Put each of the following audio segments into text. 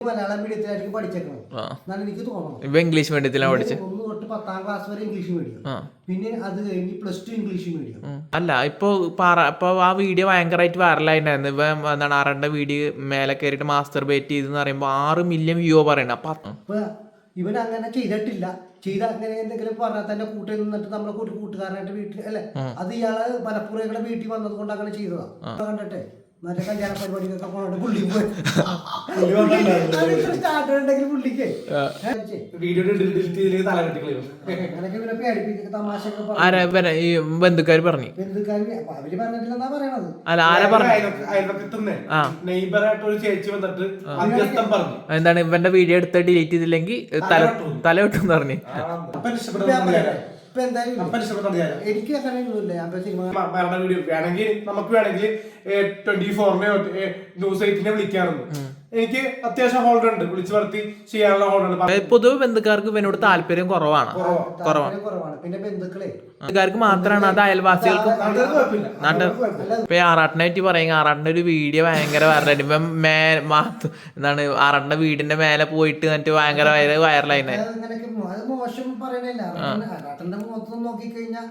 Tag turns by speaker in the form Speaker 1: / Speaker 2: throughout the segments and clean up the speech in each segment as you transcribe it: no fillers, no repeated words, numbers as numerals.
Speaker 1: മലയാളം മീഡിയത്തിലായിരിക്കും പഠിച്ചേക്കുന്നത് എന്നാണ് എനിക്ക് തോന്നുന്നത്.
Speaker 2: ഇപ്പൊ ഇംഗ്ലീഷ് മീഡിയത്തിലാണ് പഠിച്ചത്.
Speaker 1: 1 തൊട്ട് 10ാം ക്ലാസ് വരെ ഇംഗ്ലീഷ് മീഡിയം, പിന്നെ അത് കഴിഞ്ഞ് +2 ഇംഗ്ലീഷ് മീഡിയം.
Speaker 2: അല്ല ഇപ്പൊ ആ വീഡിയോ ഭയങ്കരമായിട്ട് വൈറലായിട്ടുണ്ടായിരുന്നു. ഇപ്പൊ എന്താണ് ആറണ്ട വീഡിയോ മേലെ കയറിയിട്ട് മാസ്റ്റർ ബേറ്റ് ചെയ്തെന്ന് പറയുമ്പോ 6 മില്യൺ വ്യൂ പറയണ.
Speaker 1: അപ്പൊ ഇവൻ അങ്ങനെ ചെയ്തിട്ടില്ല. ചെയ്ത അങ്ങനെ എന്തെങ്കിലും പറഞ്ഞാൽ തന്നെ കൂട്ടി നിന്നിട്ട് നമ്മളെ കൂട്ടുകാരനായിട്ട് വീട്ടിൽ അല്ലെ, അത് ഇയാള് മലപ്പുറയുടെ വീട്ടിൽ വന്നത് കൊണ്ട് അങ്ങനെ ചെയ്തതാ. കണ്ടിട്ടെ മറ്റേ കല്യാണ പരിപാടിക്കൊക്കെ പോകണ്ട പുള്ളി പോയി സ്റ്റാർട്ടർ ഉണ്ടെങ്കിൽ പുള്ളിക്ക്
Speaker 2: ആരാ ഈ ബന്ധുക്കാര് പറഞ്ഞു?
Speaker 1: ബന്ധുക്കാര് അവര് പറഞ്ഞിട്ടില്ലെന്നാ പറയണത്.
Speaker 2: അല്ല ആരാ പറഞ്ഞു? എന്താണ് ഇവന്റെ വീഡിയോ എടുത്ത് ഡിലീറ്റ് ചെയ്തില്ലെങ്കിൽ തല വെട്ടും പറഞ്ഞു.
Speaker 1: എനിക്ക്
Speaker 3: മരണ വീഡിയോ വേണമെങ്കിൽ നമുക്ക് വേണമെങ്കിൽ 24-നെയോ ന്യൂസ് 8-നെ വിളിക്കാറുണ്ട്. എനിക്ക് അത്യാവശ്യം ഹോൾഡർ ഉണ്ട്, വിളിച്ചു വരുത്തി ചെയ്യാനുള്ള ഹോൾഡർ ഉണ്ട്.
Speaker 2: പൊതുവെ ബന്ധുക്കാർക്ക് ഇവനോട് താല്പര്യം കുറവാണ്.
Speaker 1: പിന്നെ
Speaker 2: ബന്ധുക്കാർക്ക് മാത്രമാണ്, അത് അയൽവാസികൾക്ക് ഇപ്പൊ ആറാട്ടിനായിട്ട് പറയുക. ആറാട്ടിന്റെ ഒരു വീഡിയോ ഭയങ്കര വൈറലായിട്ട് ഇപ്പം എന്താണ് ആറാട്ടിന്റെ വീടിന്റെ മേലെ പോയിട്ട് എന്നിട്ട് ഭയങ്കര വൈറലായി.
Speaker 1: മോശം പറയണില്ല. ആറാട്ടന്റെ മുഖത്ത് നോക്കിക്കഴിഞ്ഞാൽ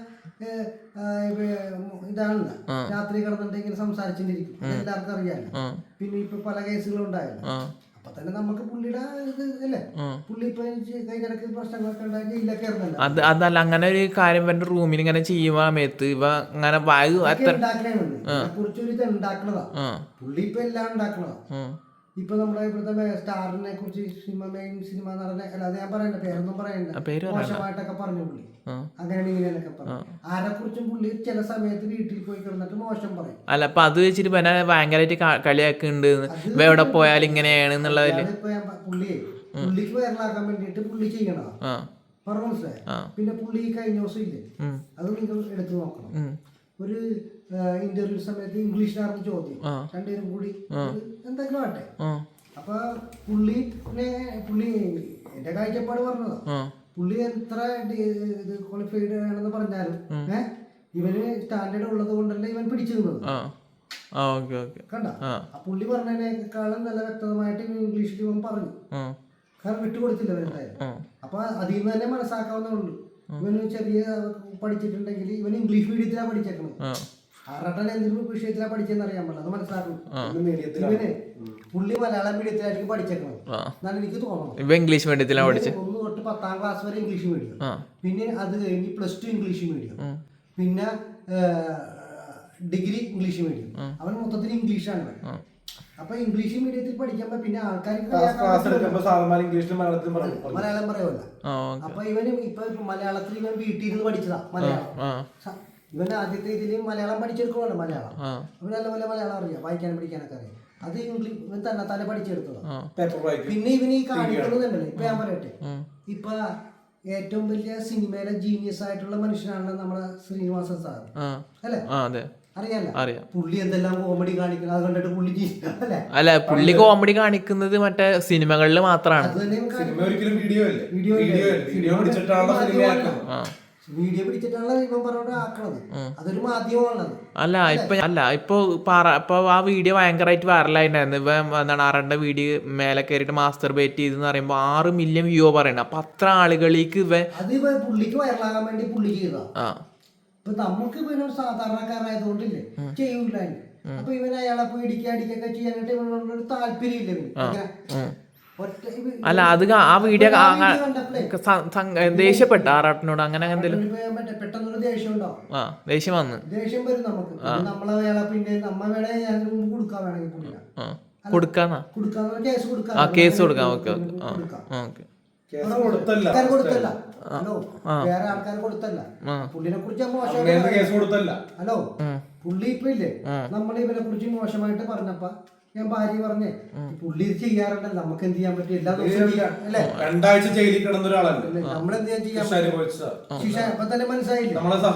Speaker 1: ഇതാണ് രാത്രി കിടന്നിട്ട് സംസാരിച്ചിട്ടിരിക്കും, എല്ലാവർക്കും അറിയാലോ. പിന്നെ ഇപ്പൊ പല കേസുകളും ഉണ്ടായല്ലോ. അപ്പൊ തന്നെ നമുക്ക് പുള്ളിയുടെ ഇത് അല്ലേ, പുള്ളി ഇപ്പൊ കൈകിടക്ക് പ്രശ്നങ്ങളൊക്കെ ഉണ്ടായി ജയിലൊക്കെ ഇറങ്ങല്ലോ.
Speaker 2: അതല്ല അങ്ങനെ ഒരു കാര്യം എന്റെ റൂമിൽ ഇങ്ങനെ ചെയ്യുമ്പോ സമയത്ത് ഇവ അങ്ങനെ
Speaker 1: കുറിച്ചൊരു ഇത് ഉണ്ടാക്കണതാ. പുള്ളി ഇപ്പൊ എല്ലാം ഉണ്ടാക്കണതാ. ഇപ്പൊ നമ്മുടെ ഇവിടുത്തെ സ്റ്റാറിനെ കുറിച്ച് സിനിമ നടനെ അല്ലാതെ ഞാൻ പറയണ്ട, പേരൊന്നും പറയണ്ട, മോശമായിട്ടൊക്കെ പറഞ്ഞു പുള്ളി. അങ്ങനെയാണ് ഇങ്ങനെയൊക്കെ പറഞ്ഞു. ആരെ കുറിച്ചും പുള്ളി ചില സമയത്ത് വീട്ടിൽ പോയി കിടന്നിട്ട് മോശം പറയും.
Speaker 2: അല്ല അപ്പൊ അത് വെച്ചിട്ട് ഭയങ്കരമായിട്ട് കളിയാക്കുന്നുണ്ട്, എവിടെ പോയാലും ഇങ്ങനെയാണ് എന്നുള്ളതില്.
Speaker 1: പുള്ളിക്ക് വൈറലാക്കാൻ വേണ്ടിട്ട് പുള്ളി ചെയ്യണതാ. പറഞ്ഞു മനസ്സിലായി. പിന്നെ പുള്ളി കഴിഞ്ഞ ദിവസം ഇല്ലേ, അത് നിങ്ങൾ എടുത്തു നോക്കണം. ഒരു ഇന്റർവ്യൂ സമയത്ത് ഇംഗ്ലീഷിലായിരുന്നു ചോദ്യം, രണ്ടുപേരും കൂടി എന്തെങ്കിലും ആട്ടെ. അപ്പൊ പുള്ളി എന്റെ കാഴ്ചപ്പാട് പറഞ്ഞതാ. പുള്ളി എത്ര ക്വാളിഫൈഡ് ആണെന്ന് പറഞ്ഞാലും ഇവന് സ്റ്റാൻഡേർഡ് ഉള്ളത് കൊണ്ടല്ല ഇവൻ പിടിച്ചു നിന്നത്. കണ്ട, പുള്ളി പറഞ്ഞതിനേക്കാളും നല്ല വ്യക്തമായിട്ട് ഇംഗ്ലീഷിൽ ഇവൻ പറഞ്ഞു. കാരണം വിട്ടുകൊടുത്തില്ല ഇവരെന്തായാലും. അപ്പൊ അതിൽ നിന്ന് തന്നെ മനസ്സിലാക്കാവുന്നുള്ളൂ. ഇവന് ചെറിയ പഠിച്ചിട്ടുണ്ടെങ്കിൽ ഇവൻ ഇംഗ്ലീഷ് മീഡിയത്തിലാണ് പഠിച്ചേക്കണത്. ആറാട്ടൻ എന്തെങ്കിലും വിഷയത്തിലാണ് പഠിച്ചെന്ന് അറിയാൻ പറ്റില്ല, അത് മനസ്സിലാക്കണം. ഇവന് പുള്ളി മലയാളം മീഡിയത്തിലായിരിക്കും പഠിച്ചേക്കണത് എന്നാണ് എനിക്ക് തോന്നുന്നത്.
Speaker 2: ഇംഗ്ലീഷ് മീഡിയത്തിലാണ് പഠിച്ചത്.
Speaker 1: 1 തൊട്ട് 10ാം ക്ലാസ് വരെ ഇംഗ്ലീഷ് മീഡിയം, പിന്നെ അത് കഴിഞ്ഞ് +2 ഇംഗ്ലീഷ് മീഡിയം, പിന്നെ ഡിഗ്രി ഇംഗ്ലീഷ് മീഡിയം. അവൻ മൊത്തത്തിൽ ഇംഗ്ലീഷാണ്. അപ്പൊ ഇംഗ്ലീഷ് മീഡിയത്തിൽ പഠിക്കുമ്പോ പിന്നെ ആൾക്കാർക്ക് മലയാളം പറയുമല്ല. അപ്പൊ ഇവന് ഇപ്പൊ മലയാളത്തിൽ ഇവൻ വീട്ടിൽ ഇരുന്ന് പഠിച്ചതാ മലയാളം. ഇവൻ ആദ്യത്തെ ഇതിൽ മലയാളം പഠിച്ചെടുക്കുമല്ലോ മലയാളം. അവൻ നല്ലപോലെ മലയാളം അറിയാം, വായിക്കാനും പഠിക്കാനൊക്കെ അറിയാം. അത് ഇംഗ്ലീഷ് ഇവൻ തന്നെ പഠിച്ചെടുത്തതാ. പിന്നെ ഇവന് ഈ കാണിക്കണമെന്നുണ്ടല്ലോ. ഇപ്പൊ ഞാൻ പറയട്ടെ, ഇപ്പൊ ഏറ്റവും വലിയ സിനിമയിലെ ജീനിയസ് ആയിട്ടുള്ള മനുഷ്യനാണ് നമ്മുടെ ശ്രീനിവാസൻ സാർ അല്ലെ, അറിയാലോ. പുള്ളി എന്തെല്ലാം കോമഡി കാണിക്കുന്നത് അത് കണ്ടിട്ട് പുള്ളി
Speaker 2: അല്ല പുള്ളി കോമഡി കാണിക്കുന്നത് മറ്റേ സിനിമകളിൽ മാത്രമാണ്.
Speaker 1: വീഡിയോ പിടിച്ചിട്ടാണ് ഇവൻ പറഞ്ഞോണ്ട് ആക്കണത്. അതൊരു മാധ്യമമാണത്.
Speaker 2: അല്ല ഇപ്പൊ ആ വീഡിയോ ഭയങ്കരമായിട്ട് വൈറലായിട്ടുണ്ടായിരുന്നു. ഇപ്പൊ എന്താണ് ആറണ്ട വീഡിയോ മേലെ കയറിയിട്ട് മാസ്റ്റർ ബേറ്റ് ചെയ്തെന്ന് പറയുമ്പോ 6 മില്യൺ വ്യൂ പറയണ. അപ്പൊ അത്ര ആളുകളിലേക്ക്
Speaker 1: അത് പുള്ളിക്ക് വൈറലാകാൻ വേണ്ടി പുള്ളി ചെയ്തതാ. ഇപ്പൊ നമുക്ക് പിന്നെ സാധാരണക്കാരായതുകൊണ്ടില്ലേ ചെയ്യൂല. അപ്പൊ ഇവൻ അയാളെ പോയി അടിക്കൊക്കെ ചെയ്യാനായിട്ട് ഇവനോടൊരു താല്പര്യമില്ല.
Speaker 2: അല്ല അത് ആ വീഡിയോ ദേഷ്യപ്പെട്ട ആറാട്ടിനോട് അങ്ങനെ എന്തെങ്കിലും
Speaker 1: പെട്ടെന്നൊരു ദേഷ്യം ഉണ്ടാവും.
Speaker 2: ദേഷ്യം
Speaker 1: വരും നമുക്ക്. നമ്മളെ വേള പിന്നെ നമ്മ വേണ കൊടുക്കാൻ വേണമെങ്കിൽ
Speaker 2: കേസ് കൊടുക്കാം.
Speaker 1: കൊടുത്തല്ല. ഹലോ, വേറെ ആൾക്കാർ കൊടുത്തല്ല. പുള്ളിനെ കുറിച്ച് മോശം. ഹലോ, പുള്ളി ഇപ്പൊ ഇല്ലേ നമ്മൾ ഇവനെ കുറിച്ച് മോശമായിട്ട് പറഞ്ഞപ്പ ഞാൻ ഭാര്യ പറഞ്ഞേ, പുള്ളി ഇത് ചെയ്യാറുണ്ടല്ലോ, നമുക്ക് എന്ത് ചെയ്യാൻ പറ്റും? എല്ലാ ദിവസവും അല്ലെ,
Speaker 3: 2 ആഴ്ച ജയിലിൽ കിടന്ന ഒരാളല്ലേ,
Speaker 1: നമ്മളെന്ത് ചെയ്യാൻ ശിക്ഷ അപ്പൊ തന്നെ മനസ്സിലായില്ല.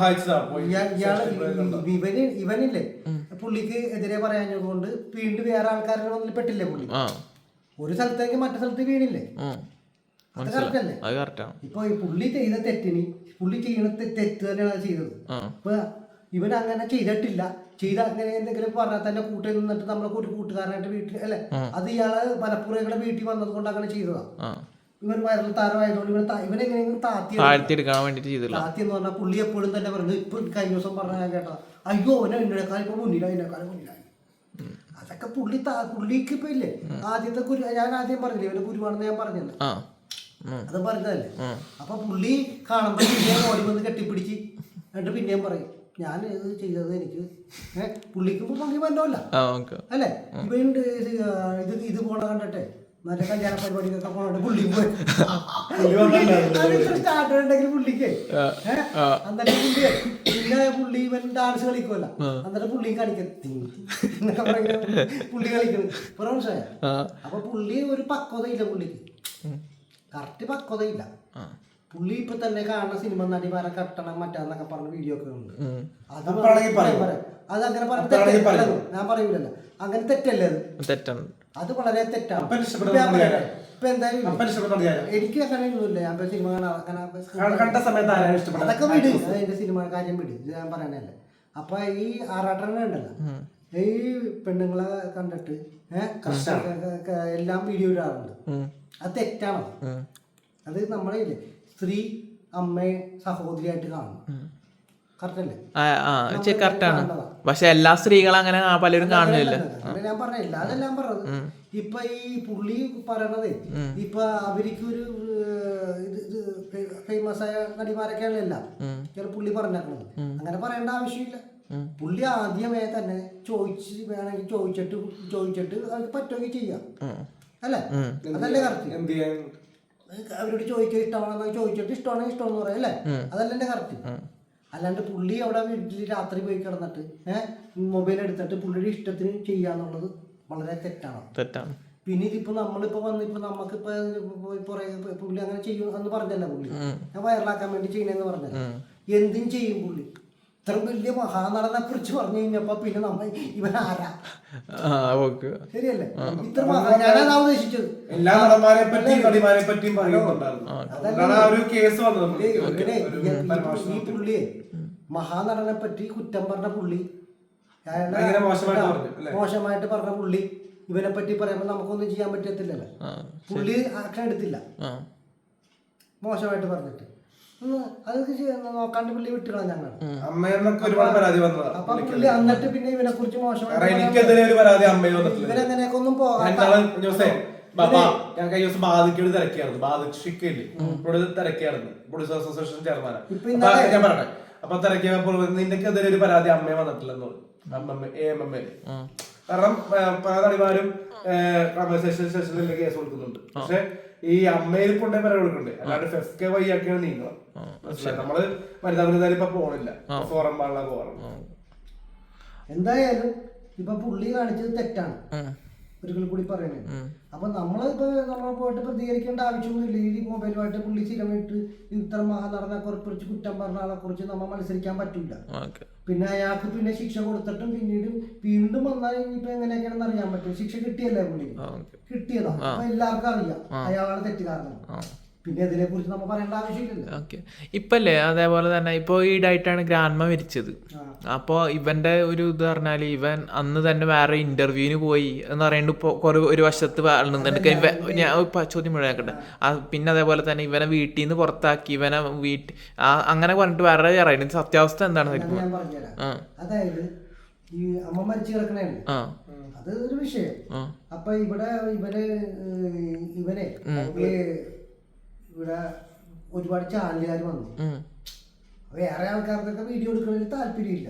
Speaker 1: ഇവനില്ലേ പുള്ളിക്ക് എതിരെ പറയാഞ്ഞതുകൊണ്ട് വീണ്ടും വേറെ ആൾക്കാരുടെ മുന്നിൽ പെട്ടില്ലേ പുള്ളി. ഒരു സ്ഥലത്തേക്ക് മറ്റു സ്ഥലത്ത് വീണില്ലേ, അത് കറക്റ്റ് അല്ലേ? ഇപ്പൊ പുള്ളി ചെയ്ത തെറ്റിന് പുള്ളി ചെയ്യണ തെറ്റ് തന്നെയാണ് ചെയ്തത്. ഇപ്പൊ ഇവൻ അങ്ങനെ ചെയ്തിട്ടില്ല. ചെയ്ത അങ്ങനെ എന്തെങ്കിലും പറഞ്ഞാൽ തന്നെ കൂട്ടിൽ നിന്നിട്ട് നമ്മളെ ഒരു കൂട്ടുകാരനായിട്ട് വീട്ടിൽ അല്ലെ, അത് ഇയാള് മലപ്പുറയുടെ വീട്ടിൽ വന്നത് കൊണ്ട് അങ്ങനെ ചെയ്തതാ. ഇവൻ വൈറൽ താരമായതുകൊണ്ട് ഇവനെങ്ങനെയെങ്കിലും
Speaker 2: താഴ്ത്തിയെടുക്കാൻ വേണ്ടിട്ട് ചെയ്തില്ല.
Speaker 1: താത്തി എന്ന് പറഞ്ഞാൽ പുള്ളി എപ്പോഴും തന്നെ പറയുന്നത്, ഇപ്പൊ കഴിഞ്ഞ ദിവസം പറഞ്ഞ ഞാൻ കേട്ടോ, അയ്യോ അവനെ എന്നേക്കാൾ ഇപ്പൊ മുന്നിലായി, എന്നെക്കാളും മുന്നിലായി. അതൊക്കെ പുള്ളിക്ക് ഇപ്പൊ ഇല്ലേ ആദ്യത്തെ ഞാൻ ആദ്യം പറഞ്ഞില്ലേ ഇവന്റെ ഗുരുവാണെന്ന് ഞാൻ പറഞ്ഞല്ലോ, അത് പറഞ്ഞതല്ലേ. അപ്പൊ പുള്ളി കാണുമ്പോ പിന്നെയും ഓടി വന്ന് കെട്ടിപ്പിടിച്ച് എന്നിട്ട് പിന്നെയും പറയും ഞാൻ ഇത് ചെയ്തത് എനിക്ക് പുള്ളിക്ക് ഇപ്പൊ പങ്കി പറ്റല്ല അല്ലേ. ഇവൻ ഇത് പോണ കണ്ടിട്ടെ മറ്റേ കല്യാണ പരിപാടിക്കൊക്കെ പോണോണ്ട് പുള്ളി പോയി സ്റ്റാർട്ടർ ഉണ്ടെങ്കിൽ പുള്ളിക്ക് എന്നിട്ട് പുള്ളിയെ പിന്നെ പുള്ളി ഇവൻ ഡാൻസ് കളിക്കുമല്ല, എന്നിട്ട് പുള്ളി കളിക്കുന്നൊക്കെ പറയുന്നത് പുള്ളി കളിക്കുന്നത് മനസ്സിലായ. അപ്പൊ പുള്ളി ഒരു പക്വതയില്ല, പുള്ളിക്ക് കറക്റ്റ് പക്വതയില്ല. പുള്ളി ഇപ്പൊ തന്നെ കാണുന്ന സിനിമ നടിമാരെ കട്ടണം മറ്റാന്നൊക്കെ പറഞ്ഞ വീഡിയോ ഒക്കെ ഉണ്ട്. അത് അങ്ങനെ പറഞ്ഞ ഞാൻ പറയൂലല്ലോ, അങ്ങനെ തെറ്റല്ലേ അത് വളരെ തെറ്റാണ്. ഇപ്പൊ എന്തായാലും എനിക്ക് അങ്ങനെ ഒന്നുമില്ല, ഞാൻ സിനിമ അതൊക്കെ വിട്, അതിന്റെ സിനിമ കാര്യം വിട്, ഇത് ഞാൻ പറയണല്ലേ. അപ്പൊ ഈ ആറാട്ടനെ ഉണ്ടല്ലോ, ഈ പെണ്ണുങ്ങളെ കണ്ടിട്ട് എല്ലാം വീഡിയോ ഇടാറുണ്ട്, അത് തെറ്റാണ്. അത് നമ്മളെ സ്ത്രീ അമ്മയെ സഹോദരിയായിട്ട് കാണും,
Speaker 2: കറക്റ്റാണ്. പക്ഷെ എല്ലാ സ്ത്രീകളും അങ്ങനെ പലരും കാണുന്നില്ല.
Speaker 1: ഞാൻ പറഞ്ഞില്ല, അതെല്ലാം പറഞ്ഞത്. ഇപ്പൊ ഈ പുള്ളി പറയണത് ഇപ്പൊ അവർക്ക് ഒരു ഫേമസ് ആയ നടിമാരൊക്കെയാണ് എല്ലാം പുള്ളി പറഞ്ഞേക്കണത്. അങ്ങനെ പറയേണ്ട ആവശ്യമില്ല. പുള്ളി ആദ്യമേ തന്നെ വേണമെങ്കിൽ ചോദിച്ചിട്ട് അവർക്ക് പറ്റുമെങ്കിൽ ചെയ്യാം അല്ലേ, അതല്ലേ കറക്റ്റ്. അവരോട് ചോദിക്കുക ഇഷ്ടമാണെന്ന് ചോദിച്ചിട്ട് ഇഷ്ടമാണെങ്കിൽ ഇഷ്ടമെന്ന് പറയാം അല്ലേ, അതല്ല എന്റെ കറക്റ്റ്. അല്ലാണ്ട് പുള്ളി അവിടെ വീട്ടിൽ രാത്രി പോയി കിടന്നിട്ട് മൊബൈൽ എടുത്തിട്ട് പുള്ളിയുടെ ഇഷ്ടത്തിന് ചെയ്യാന്നുള്ളത് വളരെ തെറ്റാണ്. പിന്നെ ഇതിപ്പോ നമ്മളിപ്പോ വന്നിപ്പോ നമുക്കിപ്പോ പുള്ളി അങ്ങനെ ചെയ്യും എന്ന് പറഞ്ഞല്ല, പുള്ളി ഞാൻ വൈറലാക്കാൻ വേണ്ടി ചെയ്യണെന്ന് പറഞ്ഞത്. എന്തും ചെയ്യും പുള്ളി. ഇത്ര വലിയ മഹാനടനെ കുറിച്ച് പറഞ്ഞു കഴിഞ്ഞപ്പോ പിന്നെ നമ്മ ഇവൻ ആരാ, ശരിയല്ലേ? ഇത്ര ഞാനതാ ഉദ്ദേശിച്ചത്.
Speaker 3: എല്ലാ നടന്മാരെ പറ്റിയും നടിമാരെ പറ്റിയും
Speaker 1: ഈ പുള്ളിയെ മഹാനടനെ പറ്റി കുറ്റം പറഞ്ഞ പുള്ളി, മോശമായിട്ട് പറഞ്ഞ പുള്ളി, ഇവനെ പറ്റി പറയുമ്പോ നമുക്കൊന്നും ചെയ്യാൻ പറ്റത്തില്ലല്ലോ. പുള്ളി ആക്ഷൻ എടുത്തില്ല മോശമായിട്ട് പറഞ്ഞിട്ട്, അതൊക്കെ നോക്കാണ്ട് പുള്ളി വിട്ടുകളാ ഞങ്ങൾ. അപ്പൊ പുള്ളി എന്നിട്ട് പിന്നെ ഇവനെ കുറിച്ച് മോശമായിട്ട് ഇവനെങ്ങനെയൊക്കെ ഒന്നും പോകാൻ
Speaker 3: ഞാൻ കഴിഞ്ഞ ദിവസം ബാധിക്കോട് തിരക്കിയായിരുന്നു, തിരക്കിയായിരുന്നു പ്രൊഡ്യൂസർ അസോസിയേഷൻ ചെയർമാനാണ്. ഞാൻ പറഞ്ഞേ അപ്പൊ തിരക്കിയപ്പോൾ നിന്റെക്കെതിരെ ഒരു പരാതി അമ്മയെ വന്നിട്ടില്ലെന്ന് പറഞ്ഞു, കാരണം പല നടിമാരും സ്റ്റേഷനിൽ കേസ് കൊടുക്കുന്നുണ്ട്. പക്ഷെ ഈ അമ്മയിൽ കൊണ്ടേ പരാതി കൊടുക്കണ്ടേ, അല്ലാണ്ട് ഫെഫ്കെ വഴിയാക്കിയാണ് നീങ്ങണം. നമ്മള് വനിതാ ഇപ്പൊ പോണില്ല, ഫോറം പാടില്ല പോകണം.
Speaker 1: എന്തായാലും ഇപ്പൊ പുള്ളി കാണിച്ചത് തെറ്റാണ്, ഒരിക്കൽ കൂടി പറയണേ. അപ്പൊ നമ്മളിപ്പോ നമ്മൾ പോയിട്ട് പ്രതികരിക്കേണ്ട ആവശ്യമൊന്നുമില്ല. ഈ മൊബൈലുമായിട്ട് പുള്ളി സ്ഥിരമായിട്ട് ഇത്ര മഹാനടനെ കുറിച്ച് കുറ്റം പറഞ്ഞ ആളെ കുറിച്ച് നമ്മൾ മത്സരിക്കാൻ പറ്റില്ല. പിന്നെ അയാൾക്ക് പിന്നെ ശിക്ഷ കൊടുത്തിട്ടും പിന്നീട് വീണ്ടും വന്നാൽ ഇനിയിപ്പോ എങ്ങനെയൊക്കെയാണെന്ന് അറിയാൻ പറ്റും. ശിക്ഷ കിട്ടിയല്ലേ പുള്ളി, കിട്ടിയതാ. അപ്പൊ എല്ലാവർക്കും അറിയാം അയാളാണ് തെറ്റുകാരണം. പിന്നെ ഇതിനെ കുറിച്ച് നമ്മൾ പറയേണ്ട ആവശ്യമില്ലല്ലോ.
Speaker 2: ഓക്കെ, ഇപ്പല്ലേ അതേപോലെ തന്നെ ഇപ്പൊ ഈടായിട്ടാണ് ഗ്രാൻഡ്മ മരിച്ചത്. അപ്പൊ ഇവന്റെ ഒരു ഇത് പറഞ്ഞാല് ഇവൻ അന്ന് തന്നെ വേറെ ഇന്റർവ്യൂവിന് പോയി എന്ന് പറയുന്നത് ഇപ്പൊ ഒരു വശത്ത് ഞാൻ ചോദ്യം മുഴുവനാക്കട്ടെ. പിന്നെ അതേപോലെ തന്നെ ഇവനെ വീട്ടിൽ നിന്ന് പുറത്താക്കി, ഇവനെ അങ്ങനെ പറഞ്ഞിട്ട് വേറെ പറയുന്നത് സത്യാവസ്ഥ എന്താണ്?
Speaker 1: അതായത് ഈ അമ്മ മരിച്ചു കിടക്കണേ, അത് ഒരു വിഷയം. അപ്പൊ ഇവിടെ ഇവനെ ഇവിടെ ഒരുപാട് ചാനലുകാർ വന്നു. വേറെ ആൾക്കാർക്കൊക്കെ വീഡിയോ എടുക്കണതിൽ താല്പര്യമില്ല,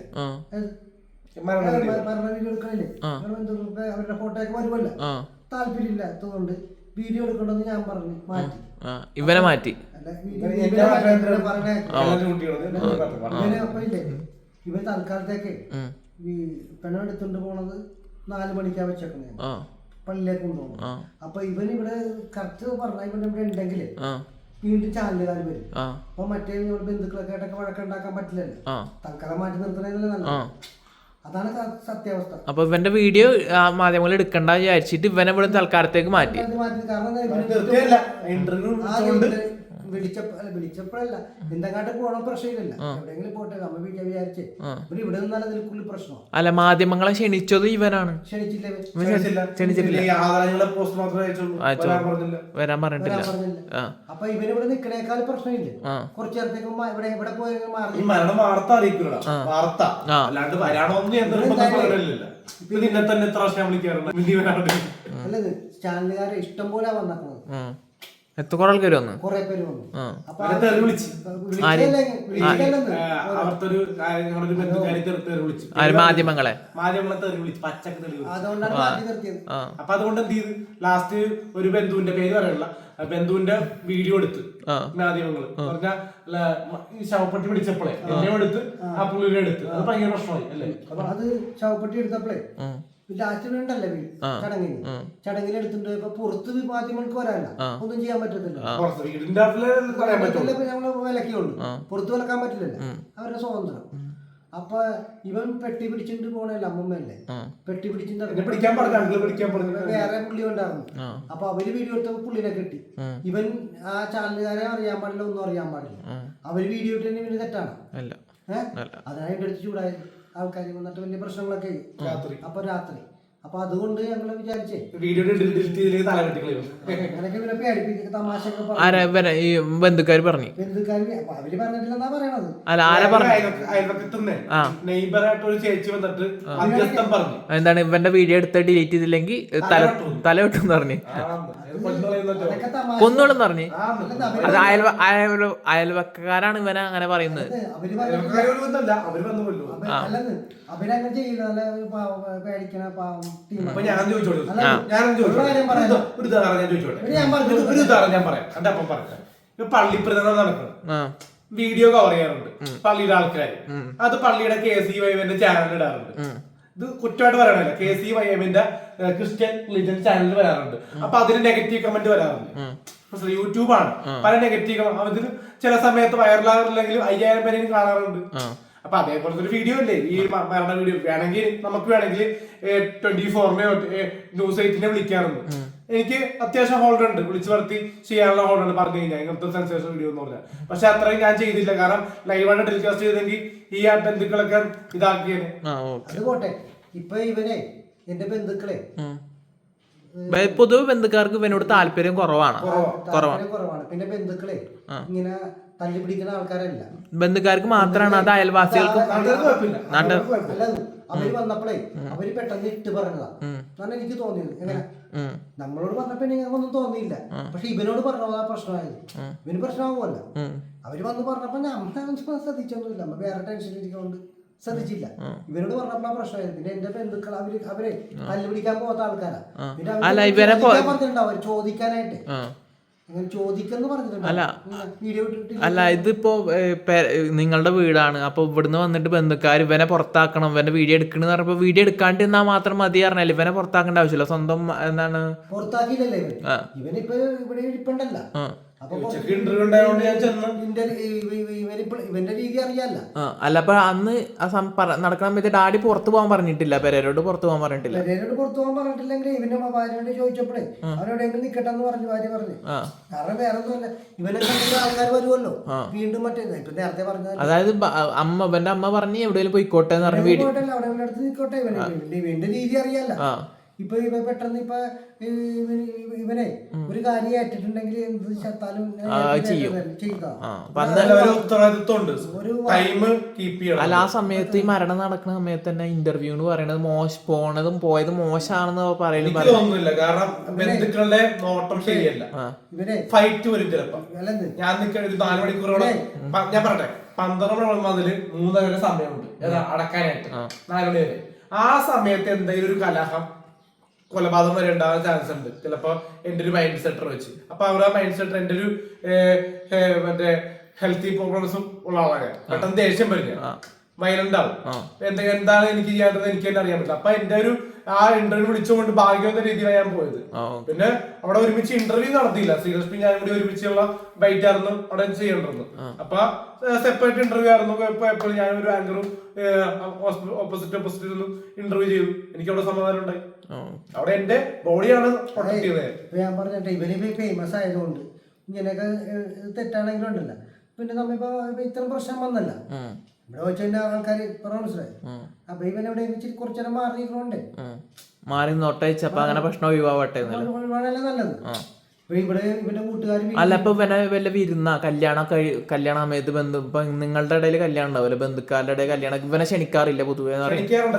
Speaker 1: മരണ വീഡിയോ എടുക്കണില്ലേ, അവരുടെ ഫോട്ടോ ഒക്കെ വരുമല്ലോ, താല്പര്യമില്ലാത്തതുകൊണ്ട് വീഡിയോ എടുക്കണമെന്ന് ഞാൻ പറഞ്ഞു മാറ്റി.
Speaker 2: ഇവനെ മാറ്റി
Speaker 1: അപ്പൊ ഇല്ലേ ഇവൻ തൽക്കാലത്തേക്ക് ഈ പെണ്ണെടുത്തോണ്ട് പോണത് 4 മണിക്കാ വെച്ചേക്കണേ, പള്ളിയിലേക്ക് കൊണ്ടുപോകണം. അപ്പൊ ഇവൻ ഇവിടെ കറക്റ്റ് പറഞ്ഞ ഇവൻ ഇവിടെ ഉണ്ടെങ്കില് വീണ്ടും ചാനലുകാർ വരും. അപ്പൊ മറ്റേ ബന്ധുക്കളൊക്കെ ആയിട്ടൊക്കെ വഴക്കുണ്ടാക്കാൻ പറ്റില്ലല്ലോ, തൽക്കാലം മാറ്റി നിർത്തണല്ലേ നല്ലത്. അതാണ് സത്യാവസ്ഥ.
Speaker 2: അപ്പൊ ഇവന്റെ വീഡിയോ മാധ്യമങ്ങൾ എടുക്കണ്ട വിചാരിച്ചിട്ട് ഇവനെ ഇവിടെ തൽക്കാലത്തേക്ക് മാറ്റി.
Speaker 1: കാരണം വിളിച്ചപ്പോഴല്ല എന്തെങ്ങാട്ട് പോകണം പ്രശ്നമില്ല, എവിടെയെങ്കിലും പോട്ടെ നമ്മ വിചാരിച്ചേ ഇവിടെ നിന്നാലും അതിൽ കൂടുതൽ പ്രശ്നം.
Speaker 2: അല്ല, മാധ്യമങ്ങളെ ക്ഷണിച്ചത് ഇവനാണ്.
Speaker 1: ക്ഷണിച്ചില്ല,
Speaker 2: വരാൻ പറഞ്ഞിട്ടില്ല.
Speaker 1: അപ്പൊ ഇവനിവിടെ നിക്കണേക്കാൾ പ്രശ്നമില്ല. കുറച്ചു നേരത്തേക്ക് ഇവിടെ പോയി
Speaker 3: മരണം വാർത്ത അറിയിക്കില്ല, വാർത്ത അല്ലാണ്ട് വരാണോന്ന് നിന്നെ തന്നെ എത്ര വർഷം വിളിക്കാറുണ്ട്.
Speaker 1: അല്ലത് ചാനലുകാരെ ഇഷ്ടം പോലെ വന്നിട്ടുള്ളത്.
Speaker 2: കുറെ ആൾക്കാർ വന്നു,
Speaker 1: കുറെ പേര് വന്നു.
Speaker 2: മാധ്യമങ്ങളെ
Speaker 1: അതുകൊണ്ടാണ് മാറ്റി നിർത്തിയത്.
Speaker 3: അപ്പൊ അതുകൊണ്ട് എന്ത് ചെയ്ത് ലാസ്റ്റ് ഒരു ബന്ധുവിന്റെ പേര് പറയല്ല, ബന്ധുവിന്റെ വീഡിയോ എടുത്ത് മാധ്യമങ്ങള് പറഞ്ഞാൽ ഈ ശവപ്പെട്ടി പിടിച്ചപ്പോഴേ എന്നെ എടുത്ത് ആ പുള്ളിയുടെ എടുത്ത് അത് ഭയങ്കര പ്രശ്നമായി അല്ലേ.
Speaker 1: അപ്പൊ അത് ശവപ്പെട്ടി എടുത്തപ്പോഴേ ലാസ്റ്റ് ഉണ്ടല്ലേ ചടങ്ങിന് എടുത്തിട്ട് ഇപ്പൊ പുറത്ത് മാധ്യമങ്ങൾക്ക് വരാനല്ല, ഒന്നും ചെയ്യാൻ പറ്റത്തില്ല. നമ്മള് വിലക്കുള്ളൂ, പുറത്ത് വിലക്കാൻ പറ്റില്ലല്ലോ, അവരുടെ സ്വാതന്ത്ര്യം. അപ്പൊ ഇവൻ പെട്ടി പിടിച്ചിട്ട് പോണല്ലേ, അമ്മമ്മല്ലേ പെട്ടി പിടിച്ചിട്ട് വേറെ പുള്ളി ഉണ്ടായിരുന്നു. അപ്പൊ അവര് വീഡിയോ എടുത്തപ്പോ പുള്ളിനെ കിട്ടി. ഇവൻ ആ ചാനലുകാരെ അറിയാൻ പാടില്ല, ഒന്നും അറിയാൻ പാടില്ല. അവര് വീഡിയോ ഇട്ടു ഇവന് തെറ്റാണ്. അതാണ് എന്റെ അടുത്ത് ചൂടായത്. ആൾക്കാർ വന്നിട്ട് വലിയ പ്രശ്നങ്ങളൊക്കെ അപ്പൊ രാത്രി. അപ്പൊ അതുകൊണ്ട് ഞങ്ങള് വിചാരിച്ചേ അങ്ങനെയൊക്കെ ഇവരെ പേടിപ്പിക്കുന്ന തമാശയൊക്കെ
Speaker 2: ഈ ബന്ധുക്കാര് പറഞ്ഞു.
Speaker 1: ബന്ധുക്കാര് അവര് പറഞ്ഞിട്ടില്ലെന്നാ പറയണത്.
Speaker 2: എന്താണ് ഇവന്റെ വീഡിയോ എടുത്ത് ഡിലീറ്റ് ചെയ്തില്ലെങ്കിൽ തല വെട്ടെന്ന് പറഞ്ഞു, കൊന്നോളെന്ന് പറഞ്ഞു. അത് അയൽവക്കാരാണ് ഇവനെ അങ്ങനെ പറയുന്നത്.
Speaker 1: അവരങ്ങനെ ചെയ്യില്ല, നല്ല പേടിക്കണ
Speaker 3: പള്ളിപ്രധാനം നടക്കണം, വീഡിയോ കവർ ചെയ്യാറുണ്ട് പള്ളിയുടെ ആൾക്കാർ. അത് പള്ളിയുടെ KCYM ചാനൽ ഇടാറുണ്ട്. ഇത് കുറ്റമായിട്ട് പറയണല്ല, KCYM ക്രിസ്ത്യൻ റിലിജൻ ചാനലിൽ വരാറുണ്ട്. അപ്പൊ അതിന് നെഗറ്റീവ് കമന്റ് വരാറുണ്ട്. യൂട്യൂബാണ്, പല നെഗറ്റീവ് അതിന് ചില സമയത്ത് വൈറലാറില്ലെങ്കിലും 5000 പേരെയും കാണാറുണ്ട്. അപ്പൊ അതേപോലത്തെ ഒരു വീഡിയോ അല്ലേ ഈ മരണ വീഡിയോ. വേണമെങ്കിൽ നമുക്ക് വേണമെങ്കിൽ 24-നെയോ News 8-നെ വിളിക്കാറുണ്ട്. എനിക്ക് അത്യാവശ്യം ഹോൾഡർ ഉണ്ട്, വിളിച്ചു വരുത്തി ചെയ്യാനുള്ള ഹോൾഡർ ഉണ്ട്. പറഞ്ഞു കഴിഞ്ഞാൽ ഇങ്ങനത്തെ സെൻസേഷൻ വീഡിയോ എന്ന് പറഞ്ഞാൽ. പക്ഷെ അത്രയും ഞാൻ ചെയ്തില്ല, കാരണം ലൈവായിട്ട് ടെലികാസ്റ്റ് ചെയ്തെങ്കിൽ ഈ ബന്ധുക്കളൊക്കെ ഇതാക്കിയേനെ.
Speaker 1: അത് പോട്ടെ. ഇപ്പൊ ഇവനെ എന്റെ ബന്ധുക്കളെ
Speaker 2: പൊതുവെ ബന്ധുക്കാർക്ക് ഇവനോട് താല്പര്യം കുറവാണ്.
Speaker 1: പിന്നെ ബന്ധുക്കളെ ഇങ്ങനെ തല്ലി പിടിക്കുന്ന ആൾക്കാരല്ല,
Speaker 2: ബന്ധുക്കാർക്ക് മാത്രമാണ്. അത് അയൽവാസികൾക്കും
Speaker 1: അവര് വന്നപ്പോഴേ അവര് പെട്ടെന്ന് ഇട്ട് പറഞ്ഞതാ എന്നാണ് എനിക്ക് തോന്നിയത്. എങ്ങനെ നമ്മളോട് പറഞ്ഞപ്പോ ഞങ്ങൾക്കൊന്നും തോന്നിയില്ല, പക്ഷെ ഇവനോട് പറഞ്ഞതാ പ്രശ്നമായത്. ഇവന് പ്രശ്നമാകുമല്ല. അവര് വന്ന് പറഞ്ഞപ്പോ നമ്മൾ ശ്രദ്ധിച്ചൊന്നുമില്ല, നമ്മ വേറെ ടെൻഷനിരിക്കൊണ്ട് ശ്രദ്ധിച്ചില്ല. ഇവരോട് പറഞ്ഞപ്പോഴാ പ്രശ്നമായത്. പിന്നെ എന്റെ ബന്ധുക്കൾ അവരെ തല്ലി പിടിക്കാൻ പോകാത്ത ആൾക്കാരാ. പിന്നെ പറഞ്ഞിട്ടുണ്ടാവും ചോദിക്കാനായിട്ട്,
Speaker 2: അല്ല ഇതിപ്പോ നിങ്ങളുടെ വീടാണ്, അപ്പൊ ഇവിടുന്ന് വന്നിട്ട് ബന്ധുക്കാർ ഇവനെ പുറത്താക്കണം, ഇവന്റെ വീഡിയോ എടുക്കണെന്ന് പറഞ്ഞപ്പോ വീഡിയോ എടുക്കാണ്ട് നിന്നാ മാത്രം മതി പറഞ്ഞാൽ ഇവനെ പുറത്താക്കേണ്ട ആവശ്യമില്ല. സ്വന്തം എന്താണ്
Speaker 1: പുറത്താക്കിയില്ലല്ലേ ഇവനിപ്പോ ഇവിടെ ഇരിപ്പുണ്ടല്ല. ഇവന്റെ രീതി അറിയാല്ല.
Speaker 2: അല്ല അപ്പൊ അന്ന് നടക്കുന്ന സമയത്ത് ഡാഡി പുറത്തു പോകാൻ പറഞ്ഞിട്ടില്ല, പെരേരോട് പുറത്തു പോകാൻ പറഞ്ഞിട്ടില്ല.
Speaker 1: പെരേരോട് പുറത്തു പോകാൻ പറഞ്ഞിട്ടില്ലെങ്കിൽ ഇവന്റെ ഭാര്യയോട് ചോദിച്ചപ്പോഴേ അവരെവിടെയെങ്കിലും നിക്കട്ടെ എന്ന് പറഞ്ഞു ഭാര്യ പറഞ്ഞു. കാരണം വേറെ ഒന്നുമല്ല, ഇവനെ കണ്ടിട്ട് ആൾക്കാർ വരുമല്ലോ വീണ്ടും മറ്റേ ഇപ്പൊ നേരത്തെ പറഞ്ഞത്.
Speaker 2: അതായത് ഇവന്റെ അമ്മ പറഞ്ഞു എവിടെയെങ്കിലും പോയിക്കോട്ടെ എന്ന് പറഞ്ഞു.
Speaker 1: അവിടെ അടുത്ത് നിൽക്കോട്ടെ, ഇവന്റെ രീതി അറിയാല്ല. ഇപ്പൊ ഇവ പെട്ടെന്ന് ഇപ്പൊ ഇവനെ ഒരു കാര്യം ഏറ്റിട്ടുണ്ടെങ്കിൽ എന്ത് ചത്താലും
Speaker 2: അല്ല ആ സമയത്ത് ഈ മരണം നടക്കുന്ന സമയത്ത് തന്നെ ഇന്റർവ്യൂ എന്ന് പറയുന്നത് പോണതും പോയതും മോശമാണെന്ന് പറയുന്നത്.
Speaker 3: കാരണം ബന്ധുക്കളുടെ നോട്ടം ശരിയല്ല. ഫൈറ്റ് വരും ചിലപ്പോ. ഞാൻ ഒരു 4 മണിക്കൂറോളം ഞാൻ പറയട്ടെ, 12 മണി മുതൽ 3 വരെ സമയമുണ്ട് അടക്കാനായിട്ട്, 4 മണി വരെ. ആ സമയത്ത് എന്തെങ്കിലും ഒരു കലഹം കൊലപാതകം വരെ ഉണ്ടാകാൻ ചാൻസ് ഉണ്ട് ചിലപ്പോ. എന്റെ ഒരു മൈൻഡ് സെറ്റർ വെച്ച് അപ്പൊ അവർ ആ മൈൻഡ് സെറ്റർ എന്റെ ഒരു മറ്റേ ഹെൽത്തി പ്രോബ്ലംസും ഉള്ള ആളാണ്. പെട്ടെന്ന് ദേഷ്യം വരില്ല, വയലന്റ് ആവും. എന്താണ് എനിക്ക് ചെയ്യാത്തത് എനിക്ക് തന്നെ അറിയാൻ പറ്റില്ല. അപ്പൊ എന്റെ ഒരു ആ ഇന്റർവ്യൂ വിളിച്ചുകൊണ്ട് ഭാഗ്യവന്ന രീതിയിലാണ് ഞാൻ പോയത്. പിന്നെ അവിടെ ഒരുമിച്ച് ഇന്റർവ്യൂ നടത്തിയില്ല, ശ്രീലക്ഷ്മി ഞാൻ കൂടി ഒരുമിച്ചുള്ള ബൈറ്റ് ആയിരുന്നു അവിടെ ചെയ്യേണ്ടിരുന്നു. അപ്പൊ സെപ്പറേറ്റ് ഇന്റർവ്യൂ ആയിരുന്നു. എപ്പോഴും ഞാൻ ഒരു ആങ്കറും ഓപ്പോസിറ്റ് ഒന്നും ഇന്റർവ്യൂ ചെയ്തു. എനിക്ക് അവിടെ സമാധാനം ഉണ്ടായി. അവിടെ എന്റെ ബോഡിയാണ് പ്രൊട്ടക്ട് ചെയ്തത്.
Speaker 1: ഞാൻ പറഞ്ഞിട്ട് ഇവന് ഫേമസ് ആയതുകൊണ്ട് ഇങ്ങനെയൊക്കെ തെറ്റാണെങ്കിലും ഉണ്ടല്ല. പിന്നെ നമ്മിപ്പോ ഇത്രയും പ്രശ്നം വന്നല്ല ഇവിടെ വെച്ച് തന്നെ ആൾക്കാർ പറഞ്ഞ മനസ്സിലായി. അപ്പൊ ഇവനെവിടെ കുറച്ചു നേരം മാറിയിരിക്കണോണ്ടേ
Speaker 2: മാറി നോട്ടയച്ചപ്പോ അങ്ങനെ പ്രശ്നം ഒഴിവാവട്ടെ
Speaker 1: ഒഴിവാണല്ലേ നല്ലത്. ഇവിടെ ഇവന്റെ കൂട്ടുകാർ
Speaker 2: അല്ല ഇപ്പൊ ഇവനെ വല്ല വിരുന്ന കല്യാണ സമയത്ത് ബന്ധു ഇപ്പൊ നിങ്ങളുടെ ഇടയിൽ കല്യാണം ഉണ്ടാവില്ല, ബന്ധുക്കാരുടെ ഇടയിൽ കല്യാണം ഇവനെ ക്ഷണിക്കാറില്ല പൊതുവെ?
Speaker 1: ഇവൻ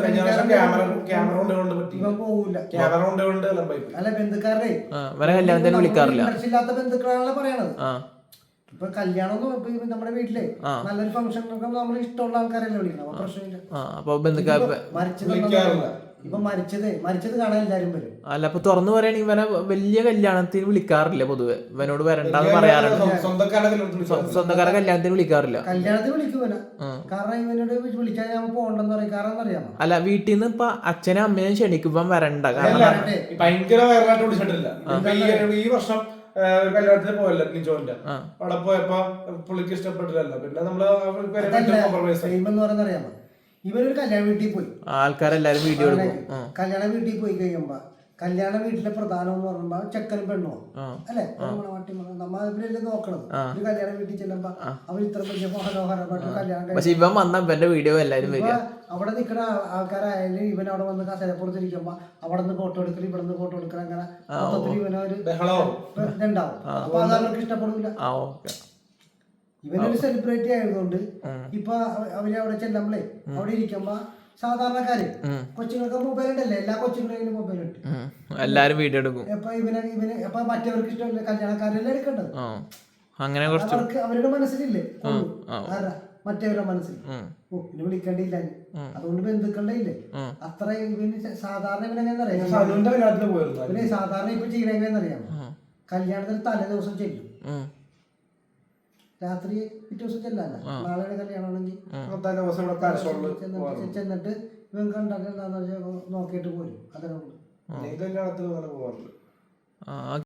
Speaker 1: പോകൂല. അല്ല ബന്ധുക്കാരുടെ
Speaker 2: ഇവനെ കല്യാണത്തിന് വിളിക്കാറില്ല.
Speaker 1: ഇല്ലാത്ത ബന്ധുക്കളാണല്ലോ പറയണത്. ഇപ്പൊ കല്യാണം നമ്മുടെ വീട്ടിലെ നല്ലൊരു ഫംഗ്ഷൻ നമ്മൾ ഇഷ്ടമുള്ള ആൾക്കാരല്ലേ വിളിക്കണം. അപ്പൊ പ്രശ്നമില്ല.
Speaker 2: അപ്പൊ ബന്ധുക്കാർ
Speaker 1: ഇപ്പൊ മരിച്ചത് കാണാൻ എല്ലാരും വരും.
Speaker 2: അല്ല ഇപ്പൊ തുറന്നു പറയുകയാണെങ്കിൽ ഇവനെ വലിയ കല്യാണത്തിന് വിളിക്കാറില്ല പൊതുവെ, ഇവനോട് വരണ്ടെന്ന് പറയാറുണ്ട്. സ്വന്തക്കാരെ കല്യാണത്തിന് വിളിക്കാറില്ല.
Speaker 1: കല്യാണത്തിന് വിളിക്കുവന കാരണം ഇവനോട് വിളിച്ചാൽ ഞാൻ പോകണ്ടെന്ന് പറയും. കാരണം അറിയാമോ,
Speaker 2: അല്ല വീട്ടിൽ നിന്ന് ഇപ്പൊ അച്ഛനും അമ്മയും ക്ഷണിക്കുമ്പം വരണ്ട. കാരണം
Speaker 3: ഭയങ്കര വൈറലായിട്ട് വിളിച്ചിട്ടില്ല. ഈ വർഷം കല്യാണത്തിന് പോയല്ലോ നിജോന്റെ അവിടെ പോയപ്പോ പുള്ളിക്ക് ഇഷ്ടപ്പെട്ടില്ലല്ലോ. പിന്നെ നമ്മള്
Speaker 1: അറിയാമോ, ഇവനൊരു കല്യാണ വീട്ടിൽ പോയി,
Speaker 2: ആൾക്കാരെല്ലാരും വീഡിയോ എടുക്കും.
Speaker 1: കല്യാണ വീട്ടിൽ പോയി കഴിയുമ്പോ കല്യാണ വീട്ടിലെ പ്രധാനം എന്ന് പറയുമ്പോ ചെക്കനും പെണ്ണോ അല്ലെ, നമ്മ ഇവരല്ലേ നോക്കണത്. ഒരു കല്യാണ വീട്ടിൽ ചെല്ലുമ്പോ അവർ ഇത്ര വലിയ മനോഹരമായിട്ട് കല്യാണം.
Speaker 2: പക്ഷെ ഇവൻ വന്ന ഇവന്റെ വീഡിയോ എല്ലാരും വരിക.
Speaker 1: അവിടെ നിൽക്കുന്ന ആൾക്കാരായാലും ഇവൻ അവിടെ വന്ന് കസേരപ്പുറത്തിരിക്കുമ്പോ അവിടെ നിന്ന് ഫോട്ടോ എടുക്കൽ, ഇവിടെ നിന്ന് ഫോട്ടോ എടുക്കൽ, അങ്ങനെ മൊത്തത്തിൽ ഇവനൊരു ഇതുണ്ടാവും. അപ്പൊ അത് അവർക്ക് ഇഷ്ടപ്പെടില്ല. ഇവനൊരു സെലിബ്രിറ്റി ആയതുകൊണ്ട് ഇപ്പൊ അവര് അവിടെ ചെല്ലുമ്പളേ അവിടെ ഇരിക്കുമ്പോ സാധാരണക്കാര് കൊച്ചുങ്ങൾക്ക് മൊബൈൽ ഉണ്ടല്ലേ, എല്ലാ കൊച്ചുങ്ങളും മൊബൈൽ ഉണ്ട്,
Speaker 2: എല്ലാരും വീഡിയോ എടുക്കും.
Speaker 1: അപ്പൊ മറ്റവർക്ക് ഇഷ്ടമല്ല, കല്യാണക്കാരെല്ലാം എടുക്കേണ്ടത്.
Speaker 2: അങ്ങനെ
Speaker 1: അവർക്ക് അവരുടെ മനസ്സിലില്ലേ മറ്റവരുടെ മനസ്സിൽ ഇനി വിളിക്കേണ്ടിയില്ല. അതുകൊണ്ട് ബന്ധുക്കളുടെ ഇല്ലേ അത്ര ഇവന് സാധാരണ ഇവനെങ്ങനെന്നറിയാം, സാധാരണ ഇപ്പൊ ചെയ്യണെങ്ങനെന്നറിയാമോ, കല്യാണത്തിന് തലേ ദിവസം ചെല്ലും, രാത്രി പിറ്റേ ദിവസം ചെല്ലല്ല, നാളെ കല്യാണമാണെങ്കിൽ ചെന്നിട്ട് ഇവൻ കണ്ടാൽ എന്താന്ന് വെച്ചാൽ നോക്കിയിട്ട് പോരും. അതിനുണ്ട്.